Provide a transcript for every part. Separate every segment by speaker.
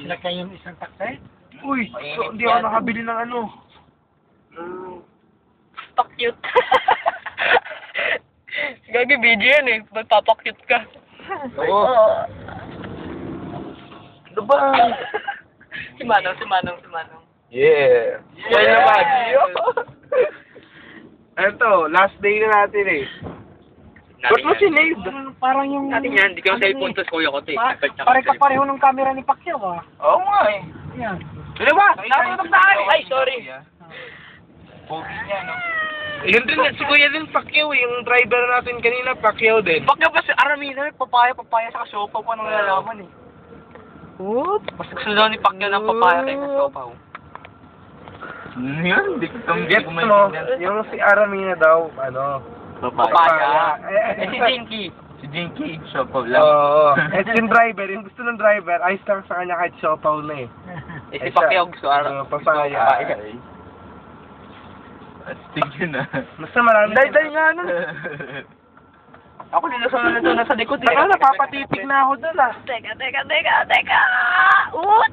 Speaker 1: Laki yung isang taksay?
Speaker 2: Uy, so, hindi ako nakabili ng ano.
Speaker 3: Pakyut. Gagi video yan eh. Magpapakyut ka.
Speaker 2: Oo. Ano ba?
Speaker 3: Si Manong.
Speaker 2: Yeah. Yan naman. Eto, last day na natin eh. Ba't mo sinave?
Speaker 1: Parang yung...
Speaker 3: Natin yan, hindi ko cellphone to kuya ko to eh.
Speaker 1: Pare-kapareho ng camera ni Pacquiao ah.
Speaker 2: Oo nga eh.
Speaker 1: Yan.
Speaker 2: Ano ba? Nakatutok tayo!
Speaker 3: Ay, sorry.
Speaker 2: Pogi niya, no? Yun din, si Kuya din Pacquiao eh. Yung driver natin kanina, Pacquiao din.
Speaker 3: Baka ba si Aramina, papaya sa kasopa pa nang nalalaman eh. Oop! Mas gusto daw ni Pacquiao ng papaya kay kasopa.
Speaker 2: Yan, hindi ko get mo. Yung si Aramina daw, ano,
Speaker 3: Papaya. Eh, si Jinky.
Speaker 2: Si Jinky, siopaw lang. Oo. Eh, yung driver, yung gusto ng driver, ayos lang sa kanya kahit siopaw na eh.
Speaker 3: Eh, si Pacquiao gusto
Speaker 2: papaya. Astig yun ah. Basta marami.
Speaker 3: Dahil nga nun. Ako nilasan na nito nasa likod eh.
Speaker 2: Saka napapatitig na ako dun ah.
Speaker 3: Teka. Oot!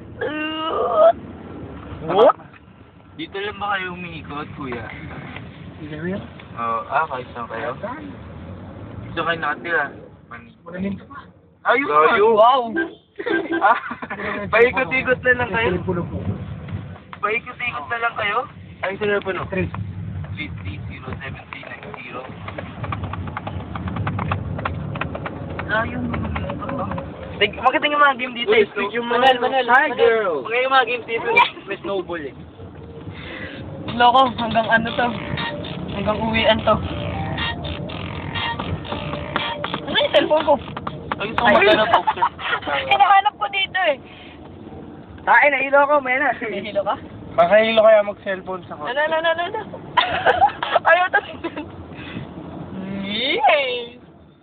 Speaker 2: What? Dito lang ba kayo umiikot, kuya?
Speaker 1: Hindi yun?
Speaker 2: Oo, kahit saan kayo? Gusto kayo nakatira?
Speaker 1: Magaling ka pa.
Speaker 2: Ayun!
Speaker 3: Wow!
Speaker 2: Paikot-ikot na lang kayo?
Speaker 1: Telepono po.
Speaker 2: Paikot-ikot na lang kayo? Ay, sino po no?
Speaker 1: 3.
Speaker 2: 330-7390.
Speaker 3: Makita yung mga game dito eh. Manel.
Speaker 2: Hi, girl!
Speaker 3: Makita yung mga game dito may snowball eh. Loko, hanggang ano to? Hanggang uwian to. Ano yung cellphone ko?
Speaker 2: Ay, so magana po.
Speaker 3: Hinahanap ko dito eh.
Speaker 2: Ay, nahilo ko, mena.
Speaker 3: May hilo ka?
Speaker 2: Makahilo kaya mag-cellphone sa ko.
Speaker 3: No. Ayaw to. Yay!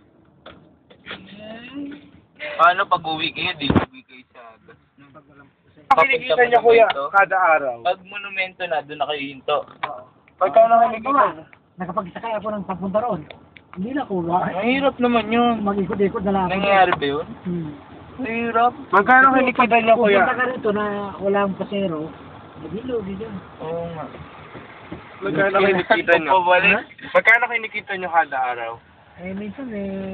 Speaker 2: Paano pag-uwi kayo? Di uwi kayo sa gas.
Speaker 4: Kinikita niya kuya kada araw.
Speaker 2: Pag monumento na, doon na kayo hinto.
Speaker 4: Pagka nakikita.
Speaker 1: Nakapagsakay ako ng papunta roon. Hindi na ko.
Speaker 2: Mahirap naman yun.
Speaker 1: Mag-ikot-ikot na lang ako.
Speaker 2: Nangyayari ba yun? Mahirap.
Speaker 4: Magkano kinikita niya kuya?
Speaker 1: Pupunta ka rito na walang pasero. Nagilo, dyan.
Speaker 2: Oo nga.
Speaker 4: Magkano kinikita niyo? Magkano kinikita niyo kada araw?
Speaker 1: Eh, minsan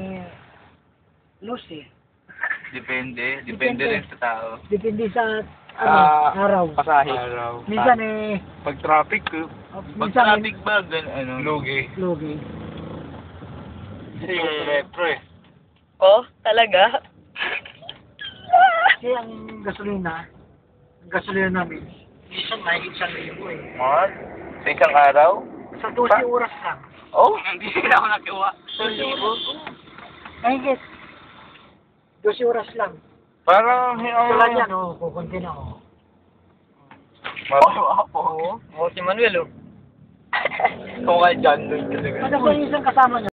Speaker 1: loss eh.
Speaker 2: Depende. Depende rin sa tao.
Speaker 1: Depende sa araw.
Speaker 2: Pasahe.
Speaker 1: Minsan
Speaker 4: Pag traffic,
Speaker 2: Pag
Speaker 1: minsan
Speaker 2: traffic ba, ano?
Speaker 4: lugi.
Speaker 1: logi.
Speaker 4: Kasi yung retro eh.
Speaker 3: Oh, talaga?
Speaker 1: Kasi ang gasolina namin, minsan may 1,000 eh.
Speaker 2: What? Sa isang araw?
Speaker 1: Sa 12 oras lang.
Speaker 2: Oh, hindi na ako nakuha.
Speaker 1: Mahigit. 12 oras lang.
Speaker 4: Parang,
Speaker 1: Tulad yan, kukunti na ako.
Speaker 2: Oo, si Manuel oh. Kung kay John Lloyd talaga.
Speaker 1: Ano ba yung isang kasama niya?